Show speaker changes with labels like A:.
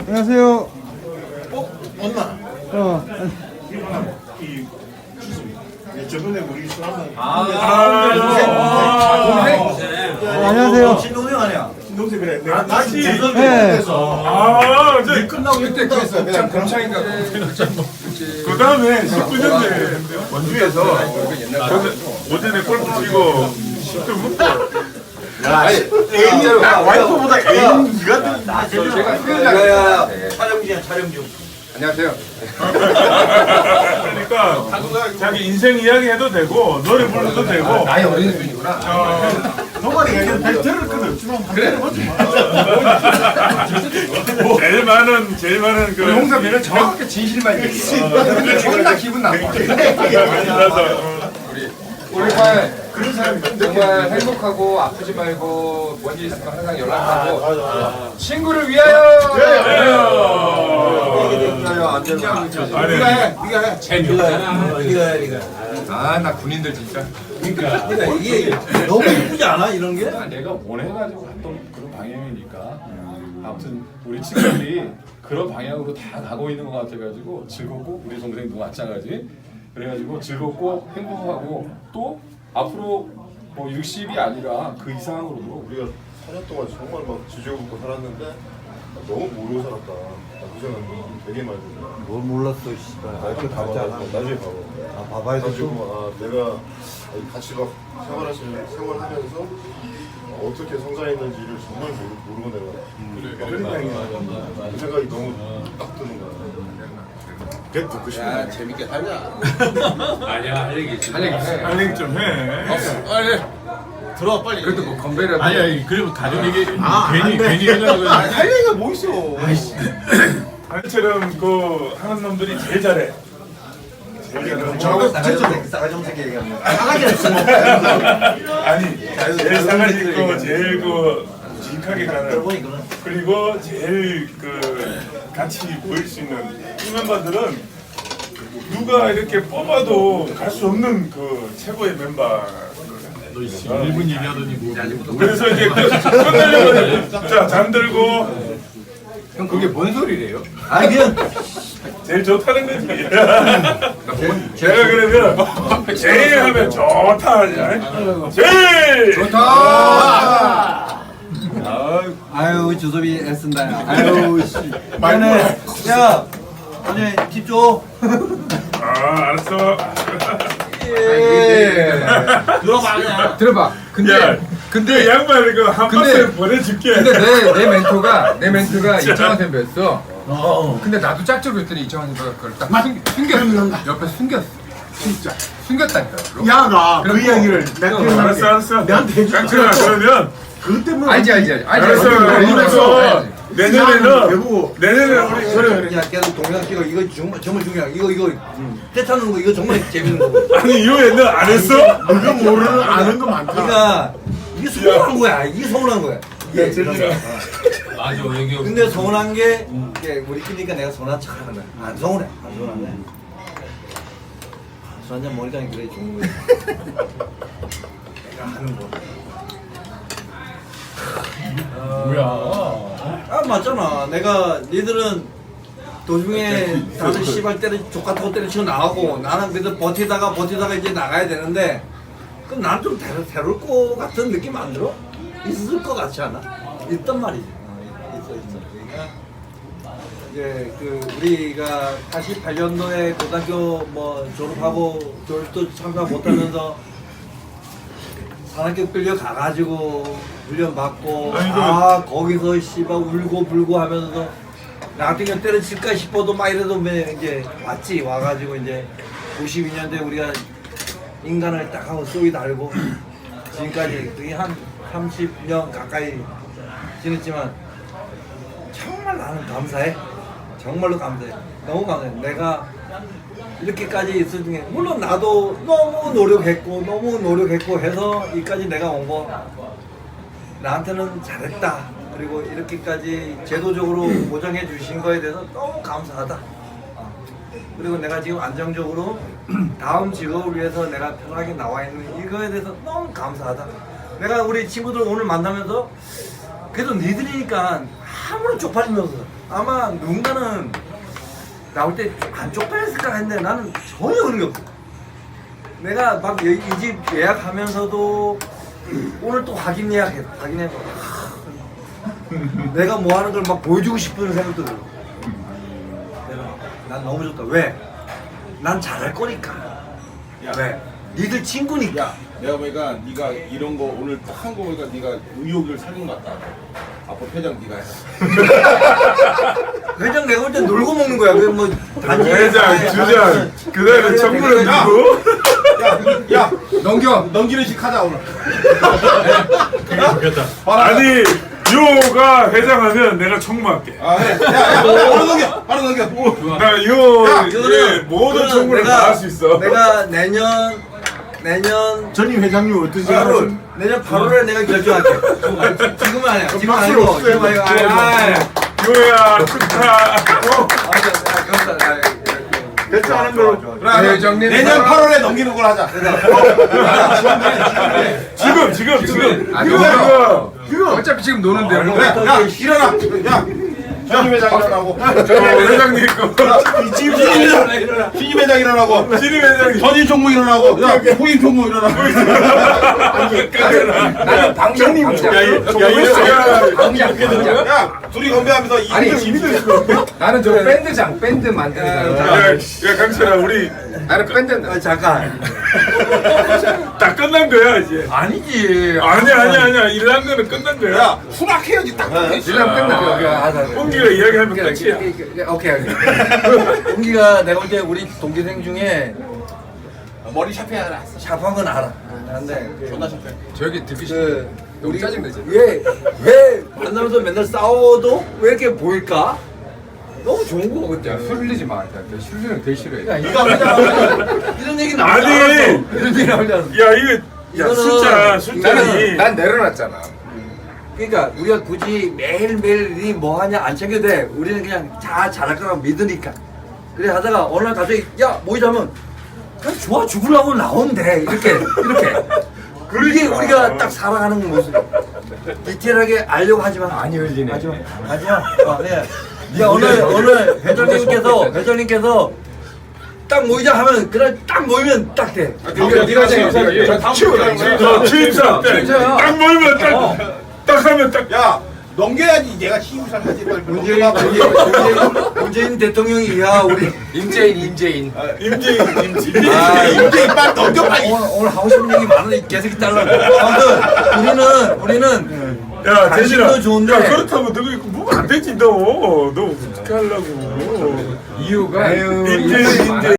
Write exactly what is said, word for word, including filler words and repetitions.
A: 안녕하세요.
B: 어? 엄마.
A: 어.
B: 이 저번에 우리 술 한번.
C: 아,
A: 어, 안녕하세요.
B: 신동생 아니야? 신동생 그래. 내가 다시
A: 네.
B: 재선돼서.
C: 아, 이제
B: 끝나고 그때 그랬어. 그냥
C: 곱창인가?
B: 그 다음에 십구 년대 원주에서 저는 오전에 골프 치고 십도 먹고. 야, 애인 와이프보다 애인 니가 나
C: 제가
B: 야야야 촬영 중이야 촬영 중.
C: 안녕하세요.
D: 그러니까 자기 인생 이야기 해도 되고 노래 불러도 되고
C: 나이 어린 분이구나.
B: 너만이 그냥 벨트를 끊어. 주로 그래.
D: 제일 많은 제일 많은 그
C: 홍사비는 정확하게 진실만 얘기해. 근데 존나 기분 나빠.
D: 그래서
C: 우리 정말 그런 사람이 정말 행복하고 아프지 말고 뭔 일 있으면 항상 연락하고 친구를 위하여.
D: 아니
B: 네가 해. 네가 해.
C: 재미없잖아.
B: 네가 해. 네가.
C: 아, 나 군인들 진짜.
B: 그러니까 이게 너무 예쁘지 않아 이런 게?
E: 내가 원해가지고 갔던 그런 방향이니까 아무튼 우리 친구들이 그런 방향으로 다 가고 있는 것 같아가지고 즐겁고 우리 동생도 마찬가지 그래가지고 즐겁고 행복하고 또 앞으로 뭐 육십이 아니라 그 이상으로도
F: 우리가 사 년 동안 정말 막 지지고 살았는데 너무 모르고 살았다. 그 생각 되게 많이 들어요.
A: 뭘 몰랐어, 씨발.
F: 나중에 봐봐. 나중에 봐봐.
A: 아, 봐봐야 돼.
F: 가지고 아 내가 같이 막 생활하시 생활하면서 어떻게 성장했는지를 정말 모르, 모르고 내가 그러니까 그 생각이 너무 딱 드는 거야. 걔 듣고 싶은 거야.
B: 재밌게 살자.
E: 아니야 할 얘기 있어
C: 할 얘기 있어.
D: 할 얘기 좀 해.
C: 빨리.
B: 들어와 빨리.
C: 그래도 뭐 건배라도.
E: 아니 아니 그리고 가족 얘기
B: 아,
E: 괜히
B: 안 돼.
E: 괜히 하려고
B: 아, 할 얘기가 뭐 있어?
D: 아니처럼 그 하는 놈들이 제일 잘해.
B: 저거 싸가지 싸가지 없는 새끼 얘기하는 거. 싸가지 없어.
D: 아니 제일 상하지 있고 제일 그 묵직하게 가는 그리고 제일 그 같이 보일 수 있는 이 멤버들은 누가 이렇게 뽑아도 갈 수 없는 그 최고의 멤버.
E: 일 분 얘기하더니 뭐
D: 그래서 이제 끝내려고 자 잠들고
C: 형 그게 뭔 소리래요?
B: 아니 그냥
D: 제일 좋다는 거지. 제가 그러면 제일 하면 좋다 하지. 제일
C: 좋다.
A: 아유, 주섭이 애쓴다. 아유, 씨. 미안해. 야, 오늘 팁 줘.
D: 아 알았어.
B: 들어봐 그냥.
C: 들어봐. 근데
D: 야,
C: 근데
D: 그 양말 이거 한
C: 근데-
D: 박스 보내줄게.
C: 근데 내, 내 멘토가 내 멘토가 이창환 선배였어.
B: 어.
C: 근데 나도 짝짝이 했더니 이창환 선배가 그걸 딱 숨, 숨겼어. 옆에 숨겼어. 진짜 숨겼다니까.
B: 야가 그
C: 그럼
B: 이야기를
C: 형,
B: 내가
D: 알았어 알았어.
B: 내한테 해줘.
D: 깡충아 그러면
B: 그 때문에
C: 알지 알지 알지. 알지,
D: 알았어.
C: 알지.
D: 그래서
C: 알지.
D: 내년에는
B: 여보.
D: 내년에 우리 그래.
B: 야 계속 동영상 찍어. 이거 정말 정말 중요해. 이거 이거 떼타는 거 이거 정말 재밌는 거고.
D: 아니 이후에 너 안 했어?
B: 이거 모르는 아는 거 많다. 그러니까 이게 서운한 거야. 이게 서운한 거야. 이게
D: 재밌어.
E: 맞아 얘기
B: 근데 서운한 게 이게 우리끼리니까 내가 서운한 척 하는 거야. 안 서운해. 안 서운한데. 술 한잔 먹으니까 그래 좋은 거야. 내가 하는 거.
E: 뭐야
B: 아 맞잖아. 내가 니들은 도중에 다들 씨발 때려 족 같은 거 때려치고 나가고 나는 그래도 버티다가 버티다가 이제 나가야 되는데 그럼 나는 좀 새로, 새로울 것 같은 느낌 안 들어? 있을 것 같지 않아? 있단 말이지. 어, 있어 있어. 그러니까 이제 그 우리가 팔십팔 년도에 고등학교 뭐 졸업하고 졸업도 참가 못하면서 산학교 끌려 가가지고 훈련 받고
D: 아니, 그-
B: 아 거기서 씨발 울고 불고 하면서 나 같은 경우 때려칠까 싶어도 막 이래도 매- 이제 왔지 와가지고 이제 구십이 년도에 우리가 인간을 딱 하고 쏘이 달고 지금까지 그게 한 삼십 년 가까이 지냈지만 정말 나는 감사해. 정말로 감사해. 너무 감사해. 내가 이렇게까지 있을 중에 물론 나도 너무 노력했고 너무 노력했고 해서 여기까지 내가 온 거 나한테는 잘했다. 그리고 이렇게까지 제도적으로 보장해 주신 거에 대해서 너무 감사하다. 어. 그리고 내가 지금 안정적으로 다음 직업을 위해서 내가 편하게 나와 있는 이거에 대해서 너무 감사하다. 내가 우리 친구들 오늘 만나면서 그래도 니들이니까 아무런 쪽팔리면서 아마 누군가는 나올 때 안 쪽팔렸을까 했는데 나는 전혀 그런 게 없어. 내가 막 이 집 예약하면서도 오늘 또 확인 예약해 확인해서 내가 뭐 하는 걸 막 보여주고 싶은 생각도 들고 내가 난 너무 좋다. 왜? 난 잘할 거니까. 왜? 니들 친구니까.
G: 야, 내가 보니까 네가 이런 거 오늘 딱 한 거 보니까 네가 의욕을 살린 것 같다. 앞으로 회장 네가 해.
B: 회장 내가 볼 때 놀고 먹는 거야. 그뭐 단지
D: 회장, 주장, 그 다음에 정부를 누구?
G: 야,
C: 넘겨.
G: 넘기는 식 하자 오늘.
D: 아니, 요가 회장하면 내가 청무할게.
G: 아, 해. 야, 야, 바로 넘겨, 바로 넘겨.
D: 나 요, 예,
B: 그거는
D: 모든
B: 그거는
D: 청구를
B: 내가-
D: 다 할 수 있어.
B: 내가 내년 내년
A: 전임 회장님 어떤
B: 팔월 내년 팔월에 내가 결정할게. 지금은 아니야. 지금 아니고 지금 아니고. 아, 아,
D: 요야, 축하.
A: 결정하는 걸로.
C: 네, 회장님.
G: 내년 팔월에 넘기는 걸 하자.
D: 지금, 지금, 지금.
C: 아,
D: 지금.
C: 지금. 어차피 지금 노는데. 뭐.
G: 그래, 야, 일어나. 야, 전임 회장 일어나고.
D: 저 회장님 거.
G: 지금 신임 회장, 신임 회장 일어나고.
D: 신임 회장님.
G: 전임 총무 일어나고. 야, 후임 총무 일어나고.
C: 나는 방장. 방장.
D: 야, 이- 야, 이거
C: 방장. 방장.
G: 야, 둘이 건배하면서
C: 아니,
G: 이등
C: 나는 저 밴드장, 밴드 만드는 사람.
D: 야, 야, 강철아, 우리
C: 나는 밴드.
B: 아, 잠깐.
D: 다 끝난 거야, 이제.
B: 아니지.
D: 아니야, 아니야, 아니야. 일한 거는 끝난 거야.
G: 야, 수락해야지 딱.
C: 일랑 끝나.
D: 홍기가 이야기하면 끝이야.
B: 오케이 오케이. 동기가 내가 볼 때 우리 동기생 중에
G: 머리 샤프해야 알아.
B: 샵한 건 알아. 근데
G: 존나 샤프.
C: 저기 듣기 싫어.
B: 그
C: 너무 짜증내지.
B: 왜왜 만나면서 맨날 싸워도 왜 이렇게 보일까? 너무 좋은 거 같아.
C: 야, 흘리지 마. 흘리는 되게 싫어해.
B: 네가 회장 이런 얘기 나오지
D: 아니.
B: 않았어. 이런 얘기 나오지 않았어.
D: 야, 이거, 야,
B: 이거는-
D: 숫자, 숫자니.
C: 나는 난 내려놨잖아.
B: 그러니까 우리가 굳이 매일매일 니 뭐 하냐 안 챙겨도 돼. 우리는 그냥 다 잘할 거라고 믿으니까. 그래 하다가 어느 날 갑자기 야 모이자면 그냥 좋아 죽으려고 나온대. 이렇게 이렇게. 그게 우리가 딱 살아가는 모습. 디테일하게 알려고 하지만
C: 많이 흘리네.
B: 하지마 하지마. 어, 네. 야 오늘 오늘 회장님께서 회장님께서 딱 모이자 하면 그날 딱 모이면 딱 돼.
C: 네가 네가 저 치우라.
D: 저 취임사 때.
C: 취임사야.
D: 딱 모이면 딱, 딱 하면 딱.
G: 야, 넘겨야지. 얘가 시우살 하지. 빨리
B: 문재인
G: 넘겨봐.
B: 문재인 문재인 대통령이 야 우리
C: 임재인, 임재인.
D: 임지, 임지.
B: 아,
G: 이제 빨리 넘겨 빨리.
B: 오늘, 오늘 하고 싶은 얘기 많은데 계속 잘라. 아무튼 우리는 우리는
D: 야,
B: 관심도
D: 대신아.
B: 좋은데.
D: 야, 그렇다면 너 이거 뭐안 되지, 너. 너 어떻게 하려고.
C: 이유가
D: 임재, 임재.